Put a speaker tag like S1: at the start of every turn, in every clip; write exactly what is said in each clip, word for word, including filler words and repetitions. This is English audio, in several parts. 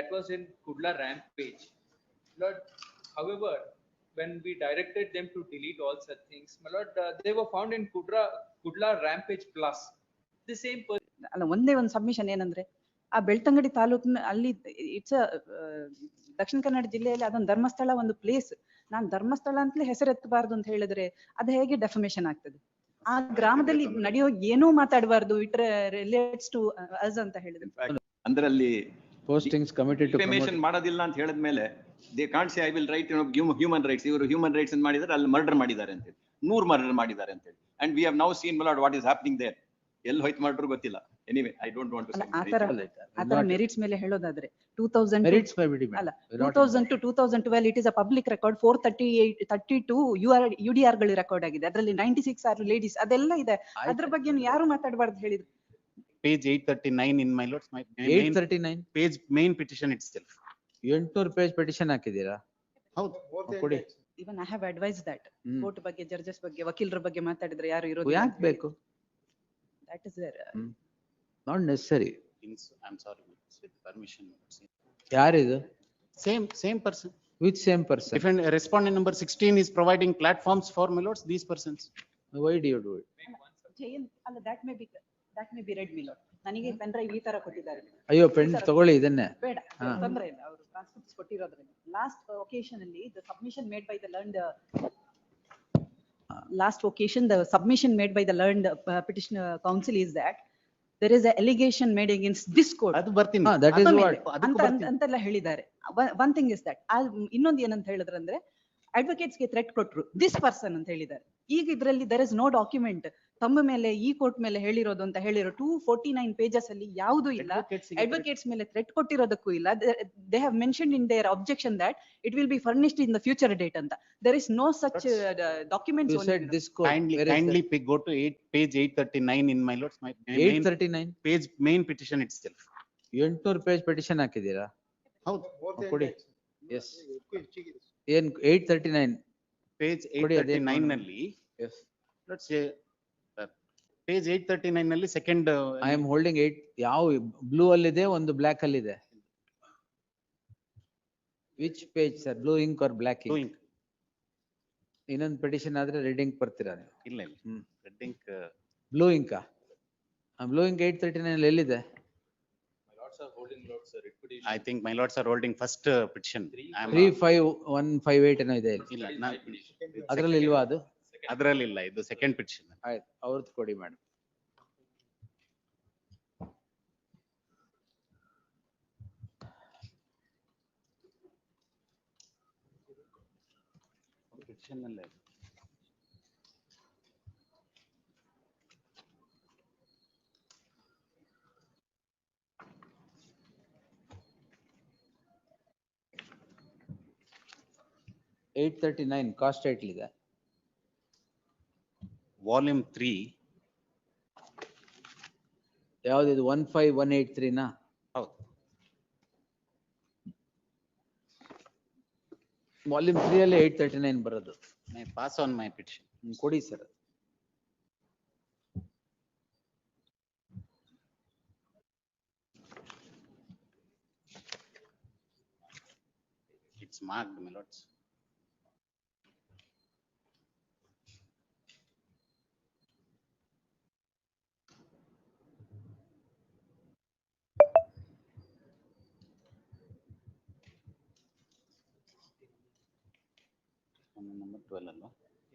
S1: that was in Kudla rampage. Lord, however, when we directed them to delete all such things, my lord, uh, they were found in Kudra Kudla rampage plus. The same person.
S2: ಅಲ್ಲ ಒಂದೇ ಒಂದು submission ಏನಂದ್ರೆ ಆ ಬೆಳ್ತಂಗಡಿ ತಾಲೂಕಿನ ಅಲ್ಲಿ it's ದಕ್ಷಿಣ ಕನ್ನಡ ಜಿಲ್ಲೆಯಲ್ಲಿ ಅದೊಂದು ಧರ್ಮಸ್ಥಳ ಒಂದು ಪ್ಲೇಸ್. ನಾನ್ ಧರ್ಮಸ್ಥಳ ಅಂತಲೇ ಹೆಸರೆತ್ತಬಾರ್ದು ಅಂತ ಹೇಳಿದ್ರೆ ಅದು ಹೇಗೆ ಡೆಫಮೇಶನ್ ಆಗ್ತದೆ? ಆ ಗ್ರಾಮದಲ್ಲಿ ನಡೆಯೋ ಏನೂ ಮಾತಾಡಬಾರ್ದು, ಇಟ್ ರಿಲೇಟ್ಸ್ ಟು ಅಸ್ ಅಂತ ಹೇಳಿದ್ರು.
S3: ಅಂದ್ರಲ್ಲಿ
S4: ಪೋಸ್ಟಿಂಗ್ಸ್ ಕಮಿಟೆಡ್ ಟು
S3: ಡಿಫಮೇಷನ್ ಮಾಡೋದಿಲ್ಲ ಅಂತ ಹೇಳಿದ್ಮೇಲೆ they can't say I will write human rights. ಇವರು ಹ್ಯೂಮನ್ ರೈಟ್ಸ್ ಮಾಡಿದ್ದಾರೆ, ಅಲ್ಲಿ ಮರ್ಡರ್ ಮಾಡಿದ್ದಾರೆ ಅಂತ ಹೇಳಿ, ನೂರ್ ಮರ್ಡರ್ ಮಾಡಿದ್ದಾರೆ ಅಂತ ಹೇಳಿ. And we have now seen Malad what is happening there. ಎಲ್ಲಿ ಹೋಯ್ತು ಮಾಡ್ರು ಗೊತ್ತಿಲ್ಲ. Anyway I don't want to
S2: ಆತರ ಆತರ ಮೆರಿಟ್ಸ್ ಮೇಲೆ ಹೇಳೋದಾದ್ರೆ ಟೂ ತೌಸಂಡ್
S4: ಮೆರಿಟ್ಸ್
S2: ಅಲ್ಲ two thousand to two thousand twelve it is a public record. Four thirty eight thirty two U R U D R ಗಳು ರೆಕಾರ್ಡ್ ಆಗಿದೆ. ಅದರಲ್ಲಿ ninety six R ladies, ಅದೆಲ್ಲ ಇದೆ. ಅದ್ರ ಬಗ್ಗೆ ಯಾರು ಮಾತಾಡಬಾರ್ದು ಹೇಳಿದ್ರು.
S5: Page eight thirty-nine in my lords, my
S4: eight thirty-nine
S5: page main petition itself.
S4: ಎಂಟ್ನೂರು ಪೇಜ್ ಪೆಟಿಷನ್ ಹಾಕಿದೀರಾ?
S5: ಹೌದು ಕೊಡಿ.
S2: Even I have advise that court ಬಗ್ಗೆ, ಜಡ್ಜಸ್ ಬಗ್ಗೆ, ವಕೀಲರ ಬಗ್ಗೆ ಮಾತಾಡಿದ್ರೆ ಯಾರು ಇರೋದು
S4: ಯಾಕೆ ಬೇಕು?
S2: That is there
S4: not necessary.
S5: I'm sorry, with permission.
S4: ಯಾರಿದು?
S5: Same same person.
S4: Which same person?
S5: Different respondent number sixteen is providing platforms for my lords, these persons.
S4: Why do you do it?
S2: ಅಲ್ಲ that may be that may be read me lord. ನನಗೆ pen drive ಈ ತರ ಕೊಟ್ಟಿದ್ದಾರೆ.
S4: ಅಯ್ಯೋ pen ತಗೊಳ್ಳಿ ಇದನ್ನೇ.
S2: ಬೇಡ, ತೊಂದ್ರೆ ಇಲ್ಲ, ಅವರು ಟ್ರಾನ್ಸ್ಕ್ರಿಪ್ಟ್ಸ್ ಕೊಟ್ಟಿರೋದ್ರಿಂದ. ಲಾಸ್ಟ್ ಒಕೇಶನ್ ಅಲ್ಲಿ the submission made by the learned last occasion the submission made by the learned petition counsel is that there is a allegation made against this court.
S5: ಅದು ಬರ್ತೀನಿ.
S4: That is what
S2: ಅಂತ ಅಂತೆಲ್ಲ ಹೇಳಿದ್ದಾರೆ. One thing is that. ಇನ್ನೊಂದು ಏನಂತ ಹೇಳಿದ್ರಂದ್ರೆ advocates ಗೆ threat ಕೊಟ್ರು ದಿಸ್ ಪರ್ಸನ್ ಅಂತ ಹೇಳಿದ್ದಾರೆ. ಈಗ ಇದರಲ್ಲಿ ದರ್ ಇಸ್ ನೋ ಡಾಕ್ಯುಮೆಂಟ್ ತಮ್ಮ ಮೇಲೆ ಈ ಕೋರ್ಟ್ ಮೇಲೆ ಹೇಳಿರೋದು ಅಂತ ಹೇಳಿರೋ ಟೂ ಫೋರ್ಟಿ ನೈನ್ ಪೇಜಸ್ ಅಲ್ಲಿ ಯಾವುದೂ ಇಲ್ಲ. ಅಡ್ವೊಕೇಟ್ಸ್ ಮೇಲೆ ಥ್ರೆಟ್ ಕೊಟ್ಟಿರೋದಕ್ಕೂ ಇಲ್ಲ. They have mentioned in their objection that it will be furnished in the future date ಅಂತ. There is no such documents.
S4: you said this court.
S5: Kindly kindly pick go to eight page eight thirty-nine in my lords, my
S4: eight thirty-nine
S5: page main petition itself.
S4: ಎಂಟ್ನೂರು page petition ಹಾಕಿದೀರಾ?
S5: ಹೌದು
S4: ಕೊಡಿ. S ಏನ್ eight thirty-nine
S5: page eight thirty-nine ನಲ್ಲಿ
S4: S
S5: let's say page eight thirty-nine ನಲ್ಲಿ second
S4: I am holding eight. ಯಾವ blue ಅಲ್ಲಿ ಇದೆ, ಒಂದು ಬ್ಲಾಕ್ ಅಲ್ಲಿ ಇದೆ. Which page sir? Blue ink or black ink? ಇನ್ನೊಂದು ಪೆಟಿಷನ್ ಆದ್ರೆ ರೆಡ್ ಇಂಕ್ ಬರ್ತೀರಾ ನೀವು?
S5: ಇಲ್ಲ ಇಲ್ಲ ರೆಡ್ ಇಂಕ್
S4: ಬ್ಲೂ ಇಂಕಾ? ಬ್ಲೂ ಇಂಕ್ eight thirty-nine ಅಲ್ಲಿ ಎಲ್ಲಿದೆ?
S5: I think my lords are holding first uh, petition.
S4: three five one five eight ಏನೋ ಇದೆ.
S5: ಇಲ್ಲ
S4: ಅದ್ರಲ್ಲಿ ಇಲ್ವಾ ಅದು?
S5: ಅದರಲ್ಲಿ ಇಲ್ಲ, ಇದು ಸೆಕೆಂಡ್ ಪಿಟಿಷನ್.
S4: ಆಯ್ತು, ಅವ್ರದ್ದು ಕೊಡಿ ಮೇಡಮ್.
S5: ಪಿಟಿಷನ್ ಅಲ್ಲೇ
S4: eight thirty-nine ಕಾಸ್ಟ್ ಟೈಟ್ಲ್ ಇದೆ.
S5: Volume three.
S4: ಯಾವ್ದು? One five one eight three ನಾ?
S5: ಹೌದು.
S4: ವಾಲ್ಯೂಮ್ ತ್ರೀ ಅಲ್ಲಿ eight thirty-nine ಬರೋದು.
S5: May pass on my petition.
S4: ಕೊಡಿ sir.
S5: It's marked, my lords. Number twelve ಅಲ್ವಾ?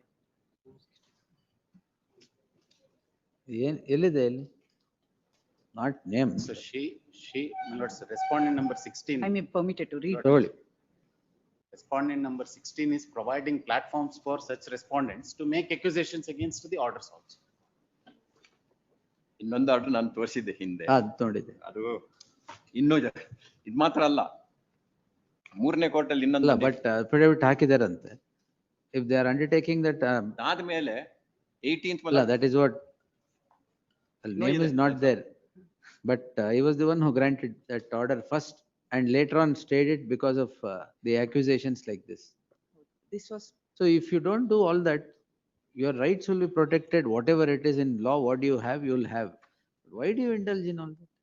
S4: ಏನ್ ಎಲ್ಲಿದೆ? ಎಲ್ಲಿ? Not name.
S5: So she she my lords, respondent number sixteen.
S2: I may permitted to read.
S4: ತಗೊಳ್ಳಿ.
S5: Respondent number sixteen is providing platforms for such respondents to make accusations against the orders also.
S3: ಇನ್ನೊಂದು order ನಾನು ತೋರಿಸಿದ್ದೆ ಹಿಂದೆ,
S4: ಅದು ನೋಡಿದೆ.
S3: ಅದು ಇನ್ನೂ ಇದು ಮಾತ್ರ ಅಲ್ಲ, ಮೂರನೇ ಕೋರ್ಟ್ ಅಲ್ಲಿ ಇನ್ನೊಂದು.
S4: ಬಟ್ ಅಫಿಡವಿಟ್ ಹಾಕಿದಾರಂತೆ. If they are undertaking that um,
S3: ಆದ್ಮೇಲೆ eighteenth
S4: ಅಲ್ಲ, that is what name is not there, but uh, he was the one who granted that order first and later on stayed it because of uh, the accusations like this.
S2: This was
S4: So if you don't do all that, your rights will be protected. Whatever it is in law, what you have, you will have. Why do you indulge in all that?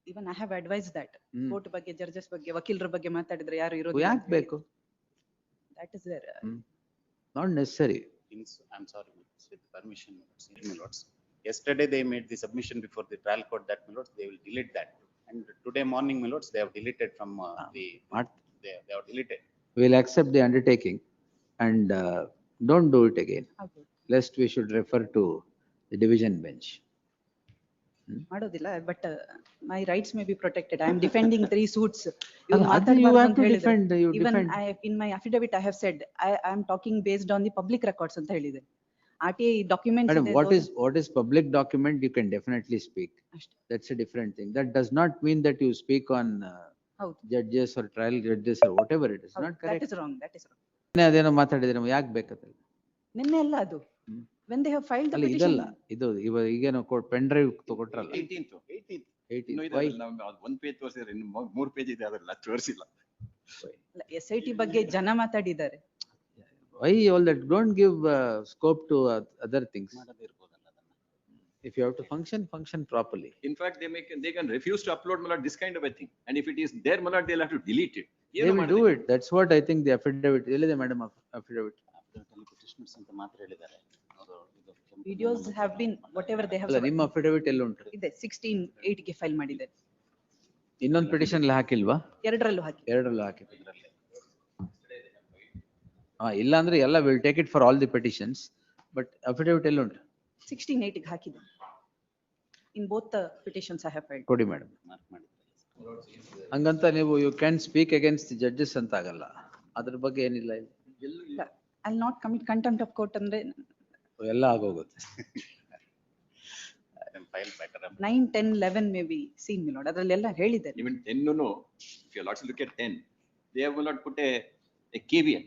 S2: Even I have advised that.
S4: ಹ್ಮ್.
S2: Court ಬಗ್ಗೆ, judges ಬಗ್ಗೆ, ವಕೀಲರ ಬಗ್ಗೆ ಮಾತಾಡಿದ್ರೆ ಯಾರು ಇರೋದಿಲ್ಲ
S4: ಯಾಕ್
S2: ಅಂತ ಹೇಳಿ.
S4: ಬೇಕು?
S2: That is there.
S4: Not necessary.
S5: Things, I'm sorry, my lords, with permission, my lords, my lords. Yesterday they made the submission before the trial court that, my lords, they will delete that. And today morning, my lords, they have deleted from uh, the,
S4: What?
S5: they, they have deleted.
S4: We'll accept the undertaking and uh, don't do it again,
S2: ಆಗ್ಬೋದು.
S4: lest we should refer to the division bench.
S2: ಮಾಡೋದಿಲ್ಲ, but my rights may be protected. I am defending three suits.
S4: ಅಲ್ಲ, ಅದು you have to defend, you
S2: Even
S4: defend.
S2: I, in my affidavit, I have said, I, I am talking based on the public records ಅಂತ ಹೇಳಿದೆ. R T I documents
S4: Madam, what is, what is public document, you can definitely speak.
S2: ಅಷ್ಟೇ.
S4: That's a different thing. That does not mean that you speak on uh,
S2: ಹೌದು,
S4: judges or trial judges or whatever it is, not
S2: that
S4: correct.
S2: Is wrong, that is wrong.
S4: ಅದೇನೋ ಮಾತಾಡಿದ್ರೆ ಯಾಕೆ ಬೇಕಂತ?
S2: ನಿನ್ನೆ ಅಲ್ಲ ಅದು.
S4: ಹ್ಮ್.
S2: When they have filed the
S4: ಅಲ್ಲ,
S2: petition.
S4: ಇದಲ್ಲ, ಇದು ಇವಾಗ ಈಗೇನೋ ಪೆನ್ ಡ್ರೈವ್ ತಗೊಟ್ರಲ್ಲ.
S3: Eighteenth, eighteenth.
S4: eighteen.
S3: ಇನ್ನೂ
S4: Why?
S3: ಇದೆ, ನಾವು ಒಂದ್ ಪೇಜ್ ತೋರಿಸಿದ್ರೆ ಇನ್ನು ಮೂರ್- ಮೂರ್ ಪೇಜ್ ಇದೆ ಅದ್ರಲ್ಲಿ, ಅದು ತೋರಿಸಿಲ್ಲ.
S2: ಎಸ್ ಐ ಟಿ ಬಗ್ಗೆ ಜನ ಮಾತಾಡಿದ್ದಾರೆ.
S4: Why all that? Don't give uh, scope to uh, other things.
S5: ಮಾಡದೇ ಇರ್ಬೋದಲ್ಲ ಅದನ್ನ.
S4: If you have to function, function properly.
S3: In fact, they make, they can refuse to upload, my lord, this kind of a thing. And if it is there, my lord, they'll have to delete it.
S4: They
S3: ಏನು
S4: will do
S3: ಮಾಡೋದು?
S4: it. That's what I think the affidavit, ಎಲ್ಲಿದೆ madam affidavit?
S5: Affidavit ಅಲ್ಲಿ petitioners ಅಂತ ಮಾತ್ರ ಹೇಳಿದ್ದಾರೆ. ಅವರು ಇದು ಕೆಂಪು
S2: ವಿಡಿಯೋಸ್
S5: ಬಣ್ಣ
S2: have been whatever they
S4: ಅಲ್ಲ,
S2: ಹ್ಯಾವ್
S4: ನಿಮ್ಮ affidavit ಎಲ್ಲಿ ಉಂಟು?
S2: ಇದೆ. ಸಿಕ್ಸ್ಟೀನ್ ಏಟ್ ಗೆ ಫೈಲ್ ಮಾಡಿದೆ.
S4: ಇನ್ನೊಂದು petition ಅಲ್ಲಿ ಹಾಕಿಲ್ವಾ?
S2: ಎರಡರಲ್ಲೂ ಹಾಕಿ.
S4: ಎರಡರಲ್ಲೂ ಹಾಕಿ.
S5: ಇದ್ರಲ್ಲಿ.
S4: ಹಾ, ಇಲ್ಲ ಅಂದ್ರೆ ಎಲ್ಲ will take it for all the petitions, but affidavit ಎಲ್ಲಿ ಉಂಟು?
S2: ಸಿಕ್ಸ್ಟೀನ್ ಏಟ್ ಗೆ ಹಾಕಿದೆ. In both petitions I have filed.
S4: ಕೊಡಿ ಮೇಡಮ್.
S5: mark ಮಾಡಿದ್ದಾರೆ.
S4: ಹಂಗಂತ ನೀವು you can speak against the judges ಅಂತ ಆಗಲ್ಲ. ಅದ್ರ ಬಗ್ಗೆ ಏನಿಲ್ಲ ಇಲ್ಲಿ.
S2: I will not commit contempt of court ಅಂದ್ರೆ
S4: ಎಲ್ಲ ಆಗೋಗುತ್ತೆ.
S5: Then file better.
S2: Nine ten eleven may be seen me ನೋಡ್, ಅದ್ರಲ್ಲೆಲ್ಲ ಹೇಳಿದೆ.
S3: Even ten, no, no. If you lots look at ten, they have not put a, a caveat.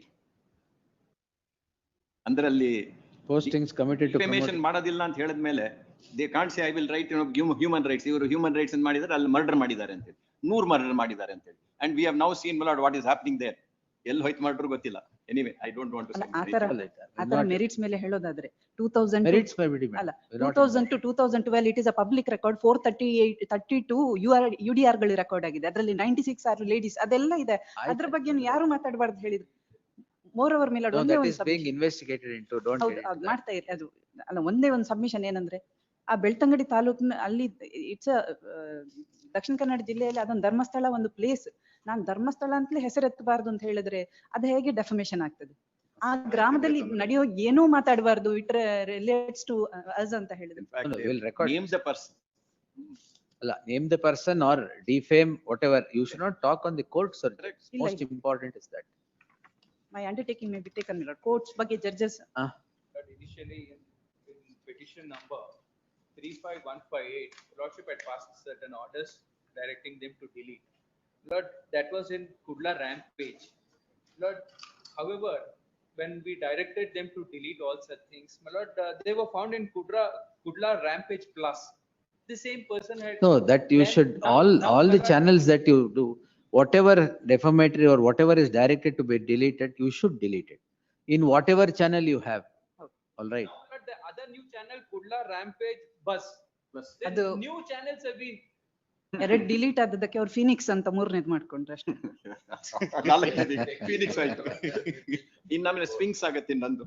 S3: ಅಂದ್ರಲ್ಲಿ
S4: Postings committed to
S3: defamation
S4: promote.
S3: ಮಾಡೋದಿಲ್ಲ ಅಂತ ಹೇಳಿದ್ಮೇಲೆ they can't say I will write human rights. ಇವರು human rights ಅಂತ ಮಾಡಿದ್ರೆ ಅಲ್ಲಿ murder ಮಾಡಿದ್ದಾರೆ ಅಂತೇಳಿ, ನೂರ್ ಮರ್ಡರ್ ಮಾಡಿದ್ದಾರೆ ಅಂತೇಳಿ. And we have now seen Malad what is happening there. ಎಲ್ಲಿ ಹೋಯ್ತು ಮರ್ಡರ್ ಗೊತ್ತಿಲ್ಲ. ಎನಿವೆ, ಐ ಡೋಂಟ್ ವಾಂಟ್
S2: ಅಲ್ಲ,
S3: ಟು
S2: ಆ ತರ ಆ ತರ ಮೆರಿಟ್ಸ್ ಮೇಲೆ ಹೇಳೋದಾದ್ರೆ ಟೂ ತೌಸಂಡ್
S4: Merits by ಬಿಡಿ
S2: ಅಲ್ಲ
S4: madam.
S2: Two thousand to two thousand twelve it is a public record. Four thirty eight thirty two U R U D R ಗಳು ರೆಕಾರ್ಡ್ ಆಗಿದೆ. ಅದರಲ್ಲಿ ನೈಂಟಿ ಸಿಕ್ಸ್ ಆರ್ ಲೇಡೀಸ್, ಅದೆಲ್ಲ ಇದೆ. ಅದ್ರ ಬಗ್ಗೆ ಯಾರು ಮಾತಾಡಬಾರ್ದು ಹೇಳಿದ್ರು. ಮೋರ್ ಓವರ್ ಮೇಲೆ
S4: No,
S2: ಒಂದೇ
S4: that
S2: ಒಂದು
S4: is being investigated into, don't
S2: ಹೌದು,
S4: get
S2: ಅದ್
S4: into that.
S2: ಮಾಡ್ತಾ ಇರಿ. ಅದು ಅಲ್ಲ, ಒಂದೇ ಒಂದು ಸಬ್ಮಿಷನ್ ಏನಂದ್ರೆ, ಆ ಬೆಳ್ತಂಗಡಿ ತಾಲೂಕಿನ ಅಲ್ಲಿ ಇಟ್ಸ್ ದಕ್ಷಿಣ ಕನ್ನಡ ಜಿಲ್ಲೆಯಲ್ಲಿ ಅದೊಂದು ಧರ್ಮಸ್ಥಳ ಒಂದು ಪ್ಲೇಸ್. ನಾನ್ ಧರ್ಮಸ್ಥಳ ಅಂತಲೇ ಹೆಸರೆತ್ತಬಾರ್ದು ಅಂತ ಹೇಳಿದ್ರೆ ಅದು ಹೇಗೆ ಡೆಫಮೇಶನ್ ಆಗ್ತದೆ? ಆ ಗ್ರಾಮದಲ್ಲಿ ನಡೆಯೋ ಏನೂ ಮಾತಾಡಬಾರ್ದು, ಇಟ್ರೆ ರಿಲೇಟ್ಸ್ ಟು ಅಸ್ ಅಂತ ಹೇಳಿದ್ರೆ.
S4: No, no, we'll record.
S3: Name the person.
S4: ಅಲ್ಲ, name the person or defame, whatever. You should not talk on the court, sir.
S2: ಇಲ್ಲ,
S4: Most
S2: ಇಲ್ಲ.
S4: important is that.
S2: My undertaking may be taken. Courts ಬಗ್ಗೆ judges
S4: Ah,
S1: But initially in in petition number three five one five eight, Lordship had passed certain orders directing them to delete. Lord, that was in Kudla rampage. Lord, however, when we directed them to delete all such things, my lord, uh, they were found in Kudra, Kudla rampage plus. The same person had.
S4: no, that you
S1: Then
S4: should,
S1: now-
S4: all,
S1: now,
S4: all
S1: my
S4: the
S1: lord,
S4: channels that you do, whatever defamatory or whatever is directed to be deleted, you should delete it. In whatever channel you have.
S2: Okay.
S4: All right.
S1: now, my lord, the other new channel, Kudla rampage bus. Then
S2: ಅದು
S1: new channels have been.
S2: ಎರಡ್ delete ಆದದಕ್ಕೆ ಅವ್ರು Phoenix ಅಂತ ಮೂರನೇದ್ ಮಾಡ್ಕೊಂಡ್ರೆ ಅಷ್ಟೇ.
S3: Phoenix ಆಯ್ತು. ಇನ್ನೊಮ್ಮೆ sphinx ಆಗತ್ತೆ ಇನ್ನೊಂದು.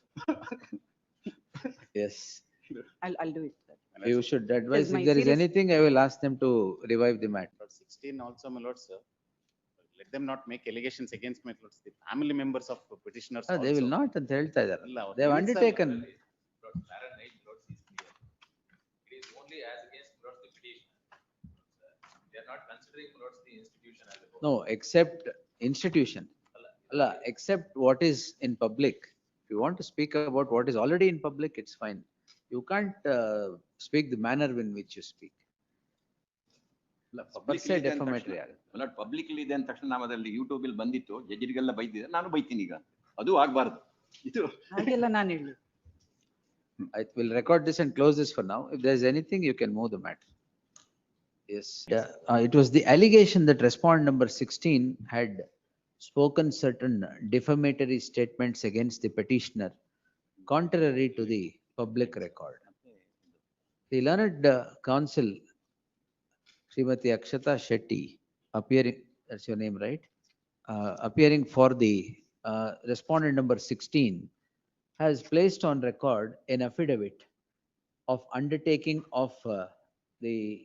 S4: Yes.
S2: I'll, I'll do it.
S4: You should advise,
S2: my
S4: if there is
S2: serious-
S4: anything, I will ask them to revive the matter.
S5: Lord sixteen also, my lords, sir. Let them not make allegations against my lords, the family members of petitioners
S4: Ah, They will
S5: also.
S4: not ಅಂತ ಹೇಳ್ತಾ ಇದ್ದಾರೆ.
S5: ಇಲ್ಲ, ಅವ್ರು
S4: They have
S5: ತಿಳಿಸ್ತಾರೆ.
S4: undertaken.
S6: Lord, Fahrenheit, Lord, is clear. It is only as against Lord the petition. They are not considering Lord the institution as a whole.
S4: No, except institution. Allah, except what is in public. If you want to speak about what is already in public, it's fine. You can't uh, speak the manner in which you speak. Per se defamatory ಆಗುತ್ತೆ.
S3: Publicly ಇದೆ ಅಂದ ತಕ್ಷಣ ನಾವು ಅದರಲ್ಲಿ YouTube ಅಲ್ಲಿ ಬಂದಿತ್ತು, ಜಡ್ಜಿಗೆಲ್ಲ ಬೈದಿದೆ, ನಾನು ಬೈತೀನಿ ಈಗ. ಅದು ಆಗ್ಬಾರ್ದು. ಇದು
S2: ಹಾಗೆಲ್ಲ ನಾನು ಹೇಳಿ.
S4: I will record this and close this for now. If there is anything, you can move the matter. Yes. Yeah, uh, it was the allegation that respondent number sixteen had spoken certain defamatory statements against the petitioner contrary to the public record. The learned uh, counsel Srimati Akshata Shetty appearing, that's your name, right? Uh, appearing for the uh, respondent number sixteen has placed on record an affidavit of undertaking of uh, the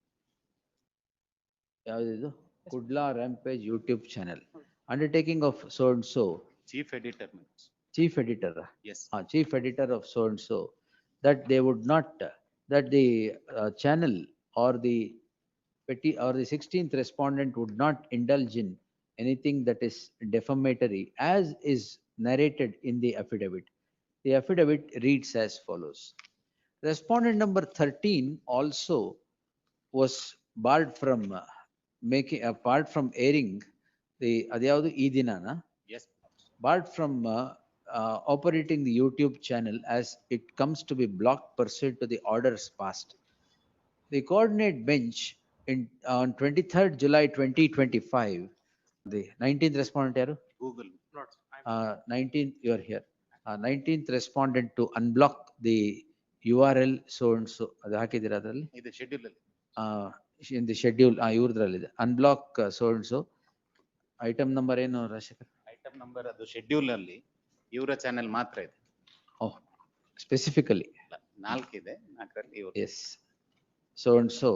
S4: ಯಾವ್ದಿದು? Kudla Rampage YouTube channel. Undertaking of so and so,
S5: Chief editor, my lords.
S4: chief editor,
S5: Yes.
S4: uh, chief editor of so and so, that they would not, uh, that the uh, channel or the petty or the sixteenth respondent would not indulge in anything that is defamatory as is narrated in the affidavit. The affidavit reads as follows. Respondent number thirteen also was barred from uh, making, apart from airing the, ಅದ್ಯಾವುದು ಈ ದಿನಾನ?
S5: Yes.
S4: barred from uh, uh, operating the YouTube channel as it comes to be blocked pursuant to the orders passed. The coordinate bench in, on twenty-third July twenty twenty-five, the nineteenth respondent yaru?
S5: Google.
S4: Uh, nineteenth, you are here. Uh, nineteenth respondent to unblock the U R L so and so, ಅದು ಹಾಕಿದ್ದೀರಾ ಅದರಲ್ಲಿ?
S5: ಇದು schedule ಅಲ್ಲಿ.
S4: Uh, in the schedule, ಆ ಇವ್ರದ್ರಲ್ಲಿದೆ. Unblock uh, so and so. Item number ಏನು Rajashekhar?
S5: Item number ಅದು schedule ಅಲ್ಲಿ ಇವರ ಚಾನೆಲ್ ಮಾತ್ರ ಇದೆ.
S4: Oh, specifically.
S5: ನಾಲ್ಕಿದೆ, ನಾಲ್ಕರಲ್ಲಿ ಇವರು.
S4: Yes. So and so.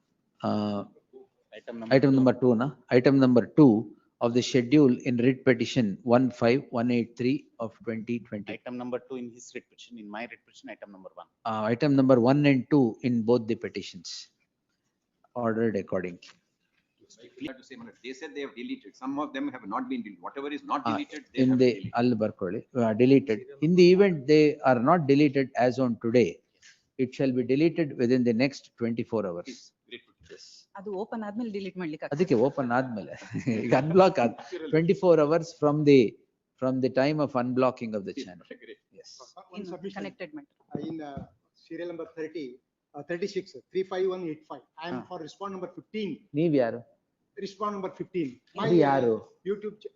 S4: Uh,
S5: Item
S4: Item number two, na? Item number two of the schedule in writ petition one five one eight three of twenty twenty.
S5: Item number two in his writ petition, in my writ petition, item number one.
S4: Uh, item number one and two in both the petitions. Ordered accordingly.
S3: Clear to say, my lord, they said they have deleted. Some of them have not been deleted. Whatever is not
S4: Uh,
S3: deleted, they
S4: In
S3: have
S4: the,
S3: deleted.
S4: ಅಲ್ಲಿ ಬರ್ಕೊಳ್ಳಿ, uh, deleted. In the event they are not deleted as on today, it shall be deleted within the next twenty-four hours.
S3: Great.
S4: Yes.
S2: ಅದು open ಆದ್ಮೇಲೆ delete ಮಾಡ್ಲಿಕ್ಕೆ ಆಗ್ತದೆ.
S4: ಅದಕ್ಕೆ open ಆದ್ಮೇಲೆ ಈಗ unblock ಆದ್ twenty-four hours from the, from the time of unblocking of the channel.
S3: Great.
S4: Yes.
S7: One submission
S2: connected ಮಾಡಿ.
S7: uh, in uh, serial number thirty, uh, thirty-six, three five one eight five. I am
S4: Ah.
S7: for respond number fifteen,
S4: ನೀವ್ ಯಾರು?
S7: respond number fifteen. My,
S4: ಅದು
S7: uh,
S4: ಯಾರು?
S7: YouTube. ch-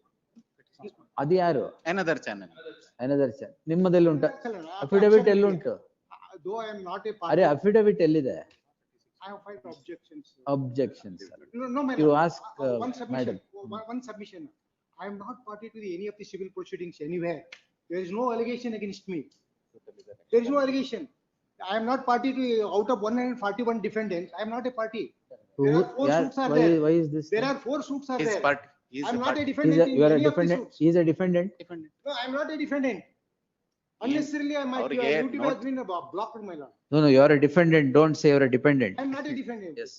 S4: ಅದು ಯಾರು?
S5: Another channel.
S4: Another channel. ನಿಮ್ಮದಲ್ಲಿ ಉಂಟ?
S7: Excellent. Uh,
S4: affidavit
S7: absolutely.
S4: ಎಲ್ಲುಂಟು?
S7: Uh, Though I am not a
S4: ಅರೆ
S7: party,
S4: affidavit ಎಲ್ಲಿದೆ?
S7: I have filed objections.
S4: Objections.
S7: No, no, my
S4: You
S7: lord.
S4: ask,
S7: Uh, uh, One
S4: uh,
S7: submission,
S4: madam.
S7: one one submission. I am not party to the any of the civil proceedings anywhere. There is no allegation against me. There is no allegation. I am not party to, out of one hundred forty-one defendants, I am not a party. There are four
S4: Yeah,
S7: suits are
S4: why,
S7: there.
S4: why is this?
S7: There are four suits are
S5: His
S7: there.
S5: part, he is
S7: I am
S5: a
S7: not a
S5: party.
S4: He's
S7: defendant
S4: a,
S7: in
S4: you are a
S7: any of the
S4: defendant,
S7: suits.
S4: he is a defendant.
S7: No, I am not a defendant. Unnecessarily, I might,
S5: ಅವ್ರಿಗೆ
S7: YouTube has
S5: not-
S7: been uh, blocked, my lord.
S4: No, no, you are a defendant, don't say you are a dependent.
S7: I am not a defendant.
S4: Yes.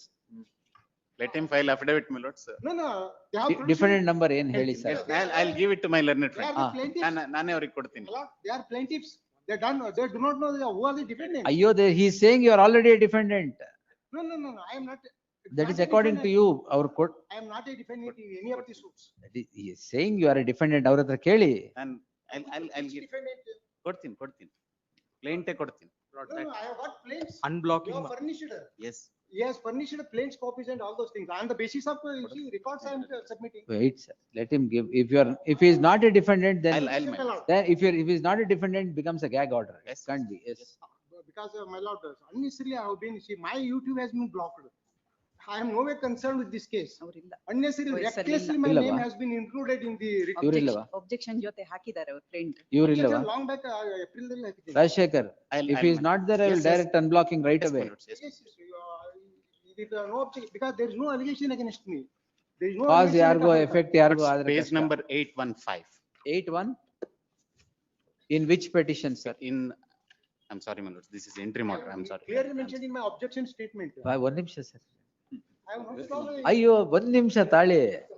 S5: Let him file affidavit, my lords.
S7: No, no, they have.
S4: Di- Defendant number ಏನ್ ಹೇಳಿ
S5: Yes,
S4: sir?
S5: I'll, I'll give it to my learned
S7: They are
S5: friend.
S7: the
S4: Ah.
S7: plaintiffs.
S5: ನಾನು, ನಾನೇ ಅವ್ರಿಗೆ ಕೊಡ್ತೀನಿ.
S7: My lord, they are plaintiffs. They done, they do not know the- who are the defendants.
S4: ಅಯ್ಯೋ, he is saying you are already a defendant.
S7: No, no, no, no, I am not.
S4: That
S7: not
S4: is
S7: a
S4: according to
S7: defendant.
S4: you, our court.
S7: I am not a defendant in any of the suits.
S4: That is- He is saying you are a defendant, ಅವ್ರ ಹತ್ರ ಕೇಳಿ.
S5: ನಾನು, I'll, I'll, I'll
S7: Which
S5: give,
S7: defendant?
S5: ಕೊಡ್ತೀನಿ, ಕೊಡ್ತೀನಿ. Plaint ಕೊಡ್ತೀನಿ.
S7: No, no, I have got plaints.
S1: Unblocking.
S7: You have furnished.
S5: Yes.
S7: He has furnished plaints, copies and all those things. On the basis of, uh, you see, records I am uh, submitting.
S4: Wait, sir, let him give. If you are, if he is not a defendant,
S5: I'll,
S4: then,
S5: I'll, my lord.
S4: then if you are, if he is not a defendant, it becomes a gag order. It
S5: Yes.
S4: can't be, yes.
S7: Because uh, my lord, uh, unnecessarily I have been, see, my YouTube has been blocked. I am nowhere concerned with this case.
S2: ಅವರಿಲ್ಲ.
S7: Unnecessarily,
S2: Oh, yes, sir,
S7: recklessly, my
S4: ಇಲ್ಲವಾ?
S7: name has been included in the. writ-
S4: ಇವ್ರಿಲ್ಲವಾ?
S2: Objection ಜೊತೆ ಹಾಕಿದ್ದಾರೆ ಅವ್ರ friend.
S4: ಇವ್ರಿಲ್ಲವಾ?
S7: Long back, uh, April ದಲ್ಲಿ ಹಾಕಿದ್ದೀನಿ.
S4: Rajashekhar,
S5: I'll-
S4: if
S5: I'll
S4: he is
S5: manage.
S4: not there, I will
S5: Yes, yes.
S4: direct unblocking right
S5: Yes, my
S4: away.
S5: lords, yes.
S7: Yes, yes, you are- it is, uh, no objection, because there is no allegation against me. There is no.
S4: Cause
S7: allegation
S4: ಯಾರಿಗೋ
S7: against me.
S4: effect ಯಾರಿಗೋ ಆದ್ರೆ
S5: Page
S4: ಕಷ್ಟ.
S5: number eight one five.
S4: Eight one? In which petition, sir?
S5: In, I'm sorry, my lords, this is entry order, I'm sorry.
S7: Clearly mentioned in my objection statement.
S4: ಬಾ, ಒಂದ್ ನಿಮಿಷ sir.
S7: I have not solved.
S4: ಅಯ್ಯೋ, ಒಂದ್ ನಿಮಿಷ ತಾಳಿ.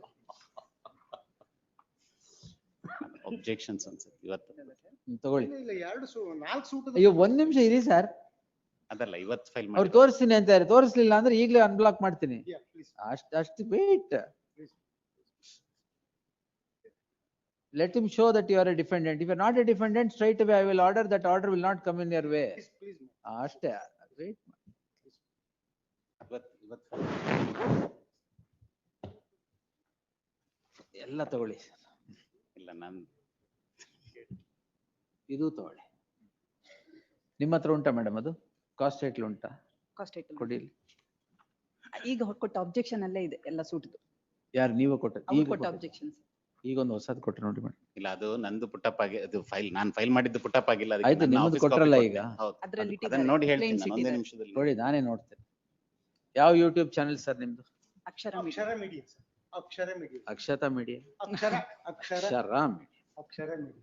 S5: Objections ಅನ್ಸುತ್ತೆ ಇವತ್ತು.
S4: ಹ್ಮ್, ತಗೊಳ್ಳಿ.
S7: ಇಲ್ಲ, ಎರಡು ಸು, ನಾಲ್ಕು ಸೂಟ್.
S4: ಅಯ್ಯೋ, ಒಂದ್ ನಿಮಿಷ ಇರಿ ಸರ್.
S5: ಅದಲ್ಲ, ಇವತ್ತು ಫೈಲ್
S4: ಅವ್ರು
S5: ಮಾಡಿ.
S4: ತೋರಿಸ್ತೀನಿ ಅಂತಾರೆ, ತೋರಿಸ್ಲಿಲ್ಲ ಅಂದ್ರೆ ಈಗಲೇ ಅನ್ಬ್ಲಾಕ್ ಮಾಡ್ತೀನಿ.
S7: Yeah, please.
S4: ಅಷ್ಟ್ ಅಷ್ಟು wait. Let him show that you are a defendant. If you are not a defendant, straight away I will order that order will not come in your way.
S7: Please, please.
S4: ಅಷ್ಟೇ. Wait.
S5: ಇವತ್ತು, ಇವತ್ತು
S4: ಎಲ್ಲ ತಗೊಳ್ಳಿ.
S5: ಇಲ್ಲ, ನಾನು
S4: ಇದು ತಗೊಳ್ಳಿ. ನಿಮ್ಮ ಹತ್ರ ಉಂಟಾ ಮೇಡಮ್ ಅದು? ಕಾಸ್ಟ್ ಟೈಟ್ಲ್ ಉಂಟಾ?
S2: Cause item.
S4: ಕೊಡಿ.
S2: ಈಗ ಕೊಟ್ಟ ಅಬ್ಜೆಕ್ಷನ್ ಅಲ್ಲೇ ಇದೆ ಎಲ್ಲ ಸೂಟ್ದು.
S4: ಯಾರು ನೀವು ಕೊಟ್ಟ
S2: ಅವ್ರು
S4: ಈಗ
S2: ಕೊಟ್ಟ
S4: ಕೊಟ್ಟ-
S2: ಅಬ್ಜೆಕ್ಷನ್ಸ್.
S4: ಈಗ ಒಂದು ಹೊಸದ್ ಕೊಟ್ರೆ ನೋಡಿ ಮೇಡಮ್.
S5: ಇಲ್ಲ ಅದು ನಂದು ಪುಟ್ಟಪ್ಪ ಆಗಿ ಅದು ಫೈಲ್ ನಾನು ಫೈಲ್ ಮಾಡಿದ್ದು ಪುಟ್ಟಪ್ಪ ಆಗಿಲ್ಲ. ಅದಕ್ಕೆ
S4: ಆಯ್ತು,
S5: ನನ್ನ
S4: ನಿಮ್ಮದು
S5: office copy
S4: ಕೊಟ್ರಲ್ಲ
S5: ಕೊಟ್ಟೆ.
S4: ಈಗ.
S5: ಹೌದು.
S2: ಅದ್ರಲ್ಲಿ
S5: ಅದು- ಅದನ್ನ ನೋಡಿ ಹೇಳ್ತೀನಿ
S2: plain
S5: ನಾನು ಒಂದೇ
S2: sheet ಇದೆ.
S5: ನಿಮಿಷದಲ್ಲಿ.
S4: ನೋಡಿ ನಾನೇ ನೋಡ್ತೇನೆ. ಯಾವ ಯೂಟ್ಯೂಬ್ ಚಾನೆಲ್ ಸರ್ ನಿಮ್ದು?
S2: Akshara media.
S7: Akshara Media, sir. Akshara Media.
S4: Akshata Media.
S7: Akshara, Akshara,
S4: Akshara media.
S7: Akshara Media.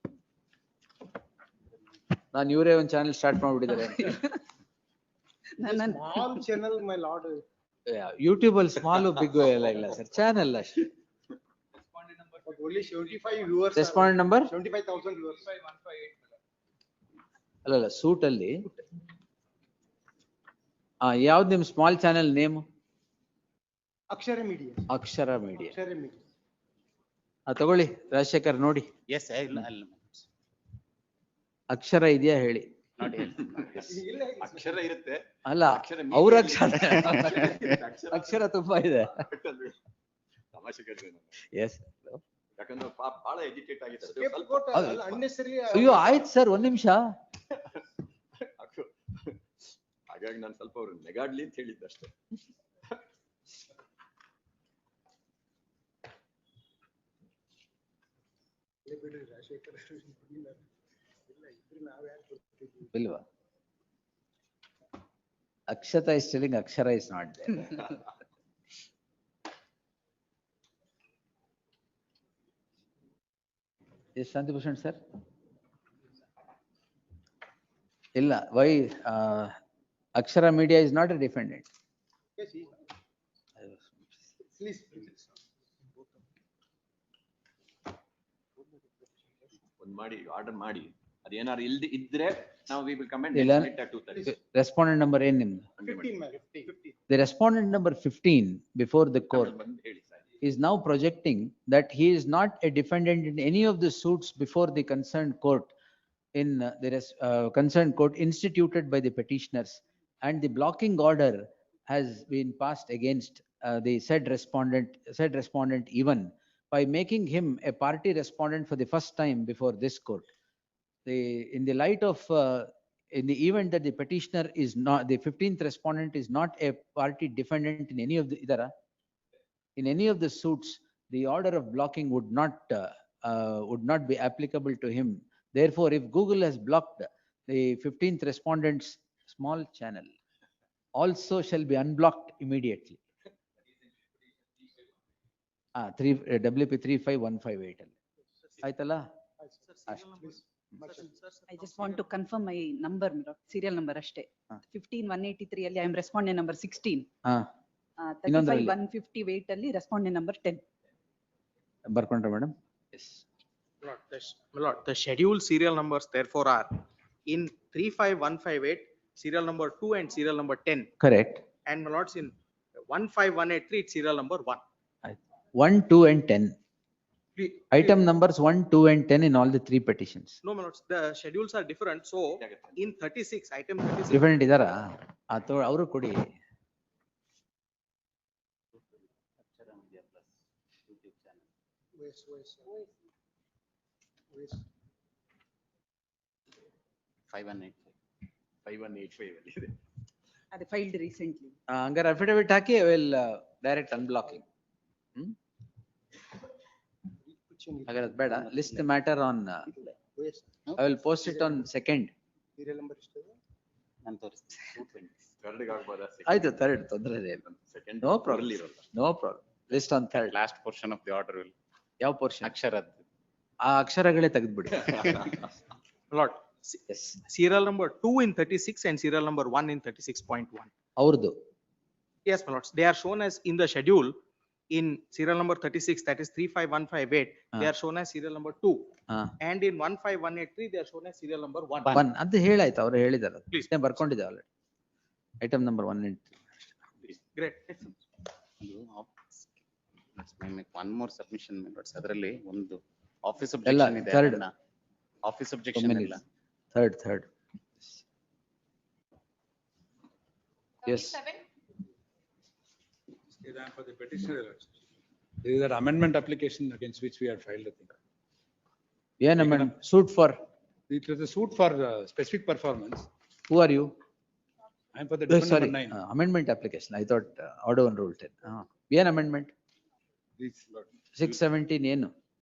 S4: ನಾನು ಇವರೇ ಒಂದು ಚಾನೆಲ್ ಸ್ಟಾರ್ಟ್ ಮಾಡ್ಬಿಟ್ಟಿದ್ದಾರೆ.
S2: ನನ್ನ
S7: Small channel, my lord.
S4: YouTube ಅಲ್ಲಿ ಸ್ಮಾಲ್ ಬಿಗ್ ಎಲ್ಲ ಇಲ್ಲ ಸರ್, ಚಾನೆಲ್ ಅಷ್ಟೇ.
S1: Respondent number
S7: But only seventy-five viewers. are-
S4: respond number
S7: Seventy-five thousand viewers.
S1: five one five eight.
S4: ಅಲ್ಲಲ್ಲ suit ಅಲ್ಲಿ ಆ ಯಾವ್ದು ನಿಮ್ small channel name?
S7: Akshara Media.
S4: Akshara Media.
S7: Akshara Media.
S4: ಆ ತಗೊಳ್ಳಿ ರಾಜಶೇಖರ್ ನೋಡಿ,
S5: ಎಸ್ ಇಲ್ಲ ಅಲ್ಲ
S4: ಅಕ್ಷರ ಇದೆಯಾ ಹೇಳಿ.
S5: ನೋಡಿ
S7: ಇಲ್ಲ, ಇಲ್ಲ, sir.
S3: ಅಕ್ಷರ ಇರುತ್ತೆ.
S4: ಅಲ್ಲ
S3: ಅಕ್ಷರ
S4: ಅವ್ರ
S3: media
S4: ಅಕ್ಷರ
S3: ಅಕ್ಷರ-
S4: ಅಕ್ಷರ ತುಂಬಾ ಇದೆ.
S3: ತಮಾಷೆ ಕೇಳಿದ್ರೆ ನಾನು.
S4: ಎಸ್.
S3: ಯಾಕಂದ್ರೆ ಪಾಪ ಬಹಳ ಎಜುಕೇಟ್ ಆಗಿದ್ದಾರೆ.
S7: Scapegoat,
S4: ಹೌದು.
S7: ಅಲ್ಲ, unnecessarily.
S4: ಅಯ್ಯೋ ಆಯ್ತು ಸರ್, ಒಂದ್ ನಿಮಿಷ.
S3: ಹಾಗಾಗಿ ನಾನು ಸ್ವಲ್ಪ ಅವ್ರು ನೆಗಾಡ್ಲಿ ಅಂತ ಹೇಳಿದ್ದಷ್ಟೇ.
S7: ಬಿಡ್ರಿ, ರಾಜಶೇಖರ್ ಇಲ್ಲ, ಇಲ್ಲ, ಇದ್ರೆ ನಾವ್ ಯಾಕ್ ಬರ್ತಿದ್ವಿ?
S4: ಇಲ್ವಾ? Akshata is telling Akshara is not there. Yes Shantibhushan sir? ಇಲ್ಲ, why Akshara Media is not a defendant.
S7: Yes, he- please, please.
S3: ಒಂದ್ ಮಾಡಿ ಆರ್ಡರ್ ಮಾಡಿ, ಅದೇನಾದ್ರು ಇಲ್ದಿ ಇದ್ರೆ ನಾವು ವಿ ವಿಲ್ ಕಮೆಂಟ್
S4: ಇಲ್ಲ.
S3: at two thirty.
S4: Respondent number ಏನ್ ನಿಮ್ದು?
S7: Fifteen, ma'am, fifteen, fifteen.
S4: The respondent number fifteen before the court
S3: ಬಂದು ಹೇಳಿ sir.
S4: is now projecting that he is not a defendant in any of the suits before the concerned court in uh, the res- uh, concerned court instituted by the petitioners, and the blocking order has been passed against uh, the said respondent, said respondent even by making him a party respondent for the first time before this court. The, in the light of, uh, in the event that the petitioner is not, the fifteenth respondent is not a party defendant in any of the, idara, in any of the suits, the order of blocking would not, uh, uh, would not be applicable to him. Therefore, if Google has blocked the fifteenth respondent's small channel, also shall be unblocked immediately. Ah, three, uh, W P three five one five eight. ಆಯ್ತಲ್ಲ?
S2: I just want to confirm my number, serial number ಅಷ್ಟೇ.
S4: ಹಾ.
S2: fifteen one eighty-three ಅಲ್ಲಿ I am respondent number sixteen.
S4: ಹಾ,
S2: Uh,
S4: ಇನ್ನೊಂದ್ರಲ್ಲಿ?
S2: thirty-five one fifty-eight ಅಲ್ಲಿ respondent number ten.
S4: ಬರ್ಕೊಂಡ್ರೆ madam? Yes.
S8: My lord, the sh- my lord, the scheduled serial numbers therefore are in three five one five eight, serial number two and serial number ten.
S4: Correct.
S8: And my lords, in one five one eight three, it's serial number one.
S4: One, two and ten.
S8: Please-
S4: Item numbers one, two and ten in all the three petitions.
S8: No, my lords, the schedules are different. So in thirty-six, item thirty-six.
S4: Different ಇದಾರಾ? ಅಥವಾ ಅವರು ಕೊಡಿ.
S5: Akshara Media plus YouTube channel.
S7: West, west, west.
S5: Five one eight
S3: five one eight five ಅಲ್ಲಿ ಇದೆ.
S2: ಅದು filed recently.
S4: ಆ, ಹಂಗಾರೆ affidavit ಹಾಕಿ ವಿಲ್ ಡೈರೆಕ್ಟ್ ಅನ್ಬ್ಲಾಕಿಂಗ್. ಹ್ಮ್, ಹಾಗಾದ್ರೆ ಅದ್ ಬೇಡ. List the matter on,
S7: West.
S4: I will post it on second.
S7: Serial number ಎಷ್ಟು?
S5: ನಾನು ತೋರಿಸ್ತೀನಿ. two twenty.
S3: ಥರ್ಡ್ಗೆ ಆಗ್ಬೋದಾ?
S4: ಆಯ್ತು, ಥರ್ಡ್ ತೊಂದರೆ ಇಲ್ಲ.
S3: Second
S4: no problem, no problem. List on third.
S5: Last portion of the order will.
S4: ಯಾವ ಪೋರ್ಷನ್?
S5: ಅಕ್ಷರದ್ದು.
S4: ಆ ಅಕ್ಷರಗಳೇ ತೆಗೆದ್ಬಿಡಿ.
S8: My lord, se-
S4: yes,
S8: serial number two in thirty-six and serial number one in thirty-six point one.
S4: ಅವ್ರದ್ದು.
S8: Yes, my lords, they are shown as in the schedule in serial number thirty-six, that is three five one five eight, they
S4: Ah.
S8: are shown as serial number two.
S4: ಹಾ,
S8: And in one five one eight three, they are shown as serial number one.
S4: One ಅದು ಹೇಳಾಯ್ತು, ಅವ್ರು ಹೇಳಿದಾರೆ.
S8: Please.
S4: ಬರ್ಕೊಂಡಿದೆ already. Item number one and
S8: Great.
S5: ಅದು op- let's make one more submission, my lords. ಅದರಲ್ಲಿ ಒಂದು office
S4: ಎಲ್ಲ
S5: objection ಇದೆ.
S4: third.
S5: ಆಫೀಸ್ objection ಇಲ್ಲ.
S4: Third third yes.
S9: For the petitioner, there is an amendment application against which we had filed, I think.
S4: ಏನ್ amend? Suit for
S9: It was a suit for uh, specific performance.
S4: Who are you?
S9: I am for the
S4: Oh,
S9: different
S4: sorry,
S9: number nine.
S4: uh, amendment application. I thought uh, order one rule ten. Uh, ಏನ್ amendment?
S9: Please, Lord.
S4: six seventeen ಏನು?